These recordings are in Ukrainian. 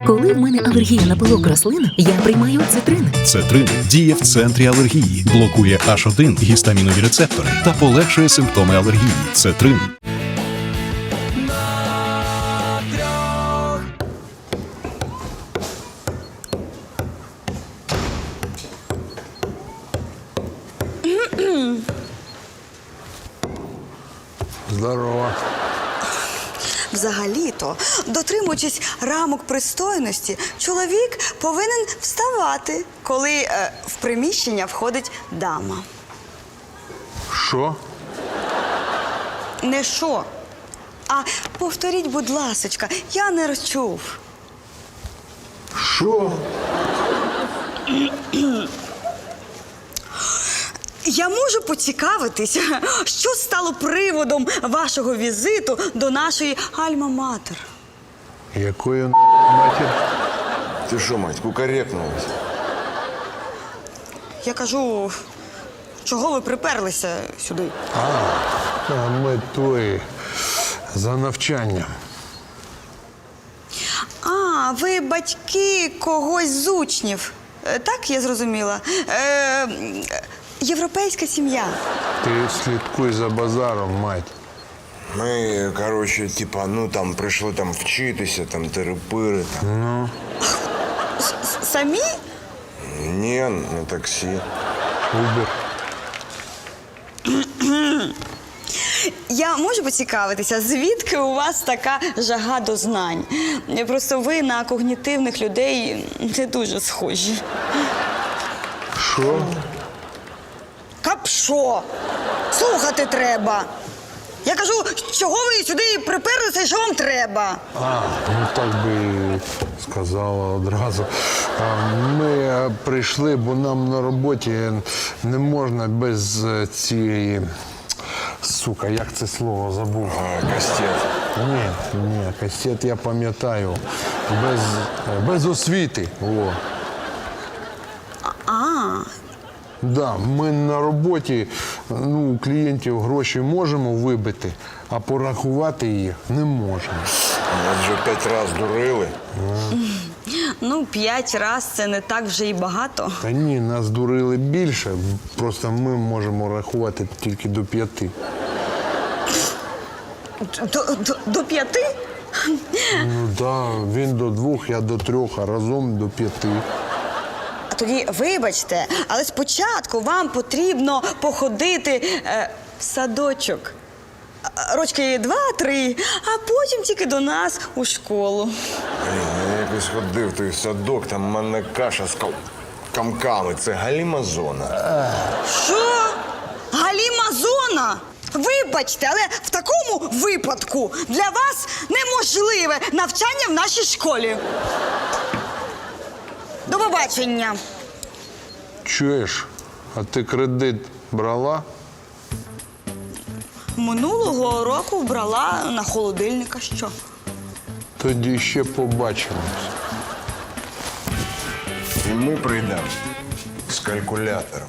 Коли в мене алергія на пилок рослин, я приймаю цитрин. Цетрин діє в центрі алергії, блокує H1 гістамінові рецептори та полегшує симптоми алергії. Цетрин. Здорово. Взагалі-то, дотримуючись рамок пристойності, чоловік повинен вставати, коли в приміщення входить дама. Що? Не що, а повторіть, будь ласочка, я не розчув. Що? Я можу поцікавитись, що стало приводом вашого візиту до нашої Альма-Матер? Якої матір? Ты что, мать, кукарекнулась? Я кажу, чого ви приперлися сюди? А ми твої за навчанням. А, ви батьки когось з учнів. Так, я зрозуміла. Європейська сім'я. Ти слідкуй за базаром, мать. Ми, короче, типа, ну там прийшли там вчитися, там терепири. Там. Самі? Ні, на таксі. Убер. Я можу поцікавитися, звідки у вас така жага до знань? Просто ви на когнітивних людей не дуже схожі. Що? Капшо! Слухати треба. Я кажу, чого ви сюди приперлися і що вам треба? Ну так би і сказала одразу. Ми прийшли, бо нам на роботі не можна без цієї... Сука, як це слово забув? Кастет. Ні, кастет я пам'ятаю. Без освіти. О. Да, ми на роботі, ну, у клієнтів гроші можемо вибити, а порахувати їх не можемо. Нас вже 5 разів дурили. Ну, 5 раз це не так вже і багато. Та ні, нас дурили більше, просто ми можемо рахувати тільки до 5. До 5? Ну да, він до 2, я до 3, а разом до 5. А тоді, вибачте, але спочатку вам потрібно походити в садочок. Рочки 2-3, а потім тільки до нас у школу. Блін, я якось ходив в той садок, там в мене каша з камками. Це галімазона. Що? Галімазона? Вибачте, але в такому випадку для вас неможливе навчання в нашій школі. До побачення. Чуєш, а ти кредит брала? Минулого року брала на холодильника. Що? Тоді ще побачимось. І ми прийдемо з калькулятором.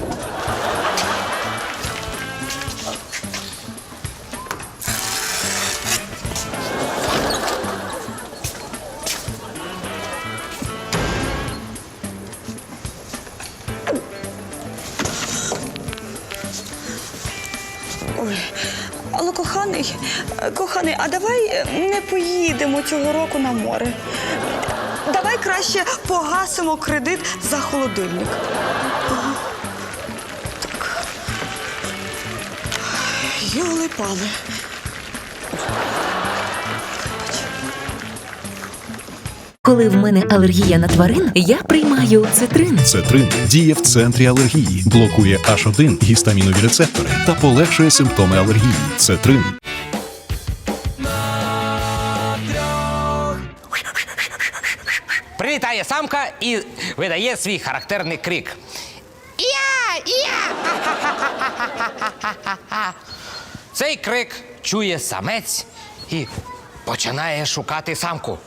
Ой, але коханий, а давай не поїдемо цього року на море. Давай краще погасимо кредит за холодильник. Ага. Так. Йоли-пали. Коли в мене алергія на тварин, я приймаю цитрин. Цетрин діє в центрі алергії, блокує H1 гістамінові рецептори та полегшує симптоми алергії. Цетрин. Прилітає самка і видає свій характерний крик. Я! Цей крик чує самець і починає шукати самку.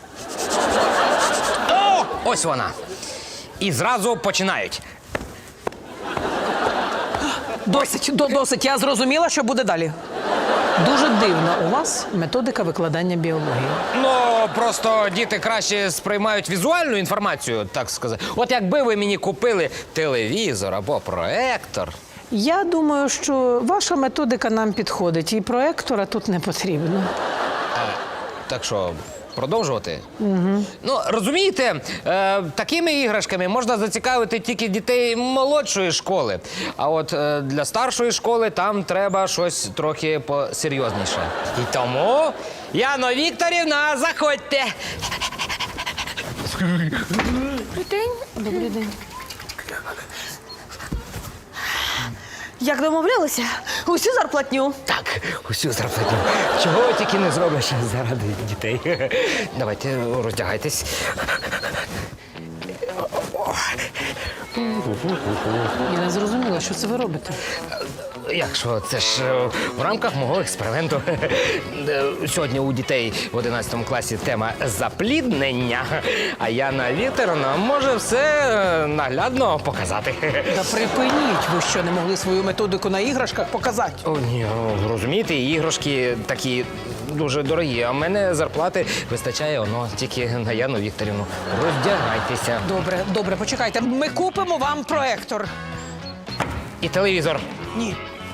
О, ось вона. І зразу починають. Досить, я зрозуміла, що буде далі. Дуже дивна у вас методика викладання біології. Ну, просто діти краще сприймають візуальну інформацію, так сказати. От якби ви мені купили телевізор або проектор. Я думаю, що ваша методика нам підходить, і проектора тут не потрібно. Так що, продовжувати? Угу. Ну, розумієте, такими іграшками можна зацікавити тільки дітей молодшої школи. А от для старшої школи там треба щось трохи посерйозніше. І тому, Яно Вікторівна, заходьте. Добрий день. Як домовлялися? Усю зарплатню. Так, усю зарплатню. Чого тільки не зробиш заради дітей. Давайте, роздягайтесь. Я не зрозуміла, що це ви робите. Якщо це ж в рамках мого експерименту. Сьогодні у дітей в 11 класі тема запліднення, а Яна Вікторівна може все наглядно показати. Та припиніть, ви що, не могли свою методику на іграшках показати? О, ні, розумієте, іграшки такі дуже дорогі, а в мене зарплати вистачає тільки на Яну Вікторівну. Роздягайтеся. Добре, почекайте. Ми купимо вам проектор. І телевізор. Ні.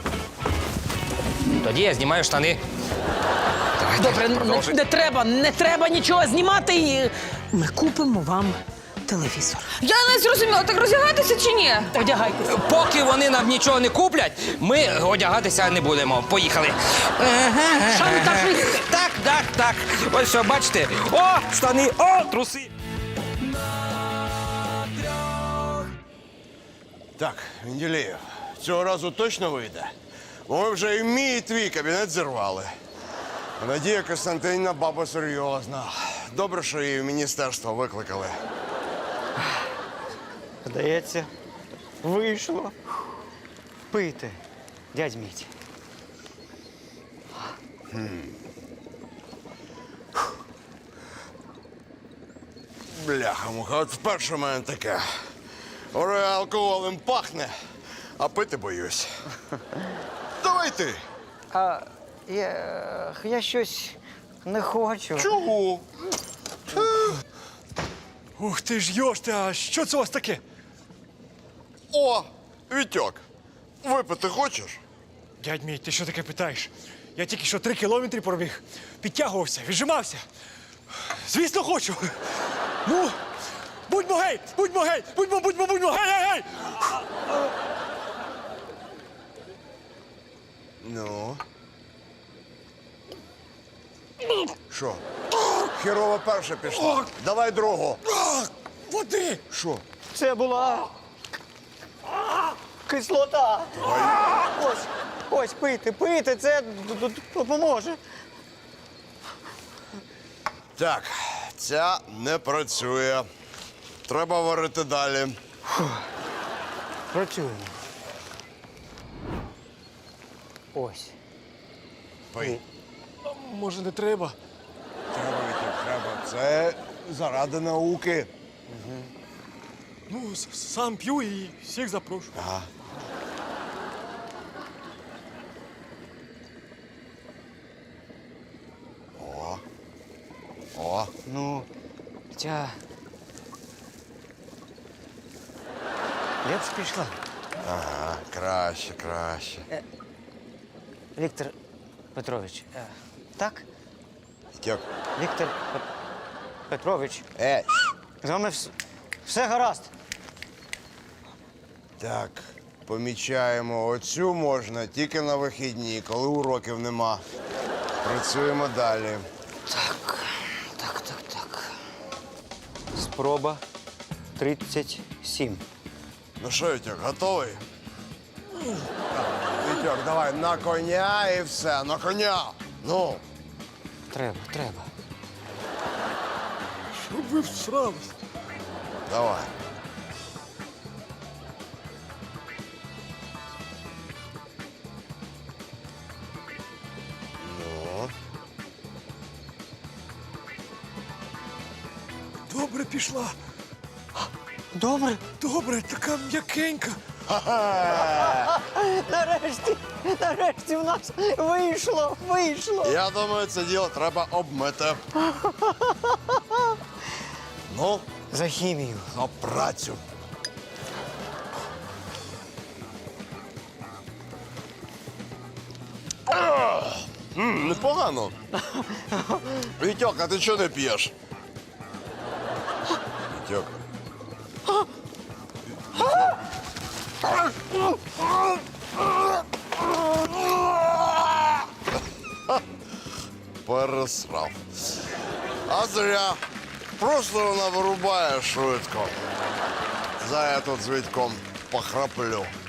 Тоді я знімаю штани. Давайте, Добре, продовжуйте. не треба нічого знімати. І ми купимо вам телевізор. Я не зрозуміла, так роздягатися чи ні? Одягайтеся. Поки вони нам нічого не куплять, ми одягатися не будемо. Поїхали. Шантажист. Так. Ось що, бачите? О, штани, о, труси. Так, Менделєєв, цього разу точно вийде? Бо ми вже і мій, і твій кабінет зірвали. А Надія Костянтинівна баба серйозна. Добре, що її в міністерство викликали. Здається, вийшло. Пийте, дядь Міть. Бляха-муха, от вперше в мене таке. Говорю, алкоголем пахне, а пити боюсь. Давай ти. Я щось не хочу. Чого? Ух ти ж йошти, а що це у вас таке? О, Вітьок, випити хочеш? Дядь мій, ти що таке питаєш? Я тільки що 3 кілометри пробіг, підтягувався, віджимався. Звісно, хочу. Ну, будьмо гей, будьмо, гей! Ну. Що? Херова перша пішла. Давай другу. Води! Що? Це була кислота. Ось, пийте, це допоможе. Так, ця не працює. Треба варити далі. Працюємо. Ось. Пий. Може, не треба? Треба, Вітьок, треба. Це заради науки. Ну, сам п'ю і всіх запрошую. Ага. О. Ну, ця... Лепш пішла. Ага, краще. Віктор Петрович, так? Вітьок. Віктор Петрович, Ей. з вами все гаразд. Так, помічаємо, оцю можна тільки на вихідні, коли уроків нема. Працюємо далі. Так. Спроба 37. Ну що, Вітьок, готовий? Вітьок, давай на коня і все, на коня. Ну. Треба. Щоб ви всрались. Давай. Ну. Добре пішла. Добре. Добре, така м'якенька. Нарешті в нас вийшло. Я думаю, це діло треба обмити. Ну, За хімію. на працю. Непогано. Вітьок, а ти чого не п'єш? Вітьок. Пересрав. А зря. Просто вона вирубає швидко. За я тут з Вітьком похраплю.